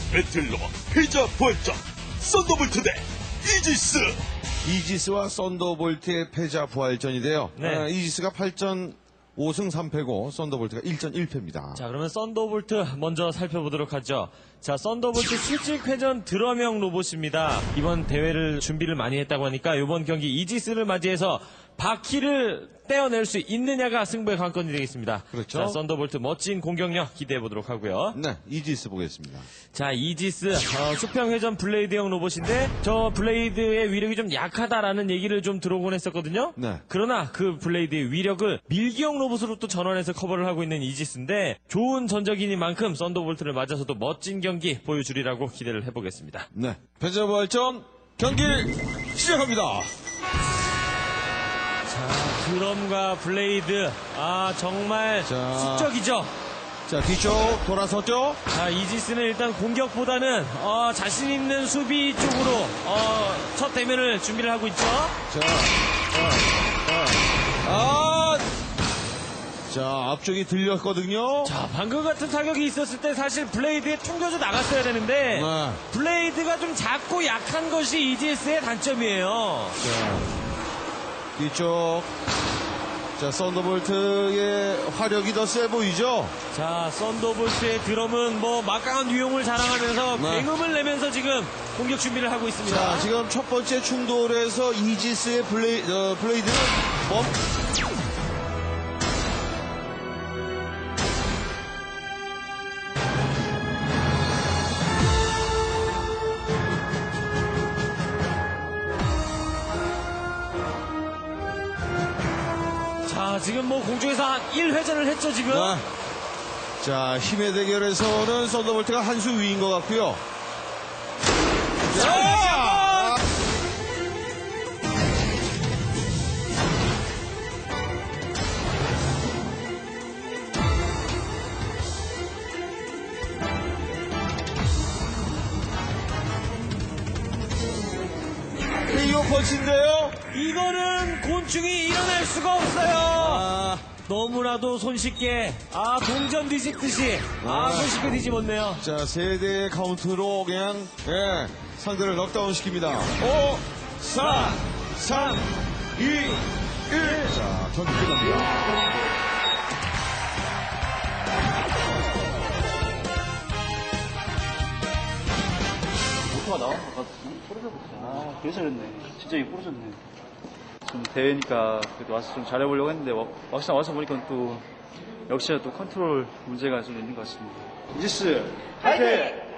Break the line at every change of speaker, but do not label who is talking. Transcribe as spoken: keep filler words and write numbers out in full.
배틀로 패자 부활전 썬더볼트 대 이지스.
이지스와 썬더볼트의 패자 부활전인데요.
네.
아, 이지스가 팔 전 오 승 삼 패고 썬더볼트가 일 전 일 패입니다.
자, 그러면 썬더볼트 먼저 살펴보도록 하죠. 자, 썬더볼트 수직회전 드러명 로봇입니다. 이번 대회를 준비를 많이 했다고 하니까 이번 경기 이지스를 맞이해서 바퀴를 떼어낼 수 있느냐가 승부의 관건이 되겠습니다.
그렇죠.
자, 썬더볼트 멋진 공격력 기대해 보도록 하고요.
네, 이지스 보겠습니다.
자, 이지스 어, 수평회전 블레이드형 로봇인데 저 블레이드의 위력이 좀 약하다라는 얘기를 좀 들어오곤 했었거든요.
네.
그러나 그 블레이드의 위력을 밀기형 로봇으로 또 전환해서 커버를 하고 있는 이지스인데 좋은 전적이니만큼 썬더볼트를 맞아서도 멋진 경기 보여주리라고 기대를 해보겠습니다.
네, 패자 부활전 경기 시작합니다.
자, 드럼과 블레이드 아 정말
자.
숙적이죠.
자, 뒤쪽 돌아섰죠?
자, 이지스는 일단 공격보다는 어, 자신 있는 수비 쪽으로 어, 첫 대면을 준비를 하고 있죠.
자, 자, 자. 아! 자, 앞쪽이 들렸거든요.
자, 방금 같은 타격이 있었을 때 사실 블레이드에 튕겨져 나갔어야 되는데
네.
블레이드가 좀 작고 약한 것이 이지에스의 단점이에요.
자, 뒤쪽. 자, 썬더볼트의 화력이 더 세 보이죠?
자, 썬더볼트의 드럼은 뭐 막강한 유용을 자랑하면서
네.
굉음을 내면서 지금 공격 준비를 하고 있습니다.
자, 지금 첫 번째 충돌에서 이지스의 블레이, 어, 블레이드는 멈,
자, 지금 뭐 공중에서 한 일 회전을 했죠, 지금.
네. 자, 힘의 대결에서는 썬더볼트가 한 수 위인 것 같고요. 자! 케이오 펀치인데요?
이거는 곤충이 일어날 수가 없어요.
아,
너무나도 손쉽게, 아, 동전 뒤집듯이, 아,
아.
손쉽게 뒤집었네요.
자, 세대의 카운트로 그냥, 예, 상대를 넉다운 시킵니다. 오, 사, 삼, 이, 일. 자, 경기 끝납니다.
모터가 나온 것 같은데 부러졌어. 아, 그래서 그랬네. 진짜 이게 부러졌네. 좀 대회니까 그래도 와서 좀 잘해보려고 했는데 와- 막상 와서 보니까 또 역시나 또 컨트롤 문제가 좀 있는 것 같습니다. 이지스 화이팅!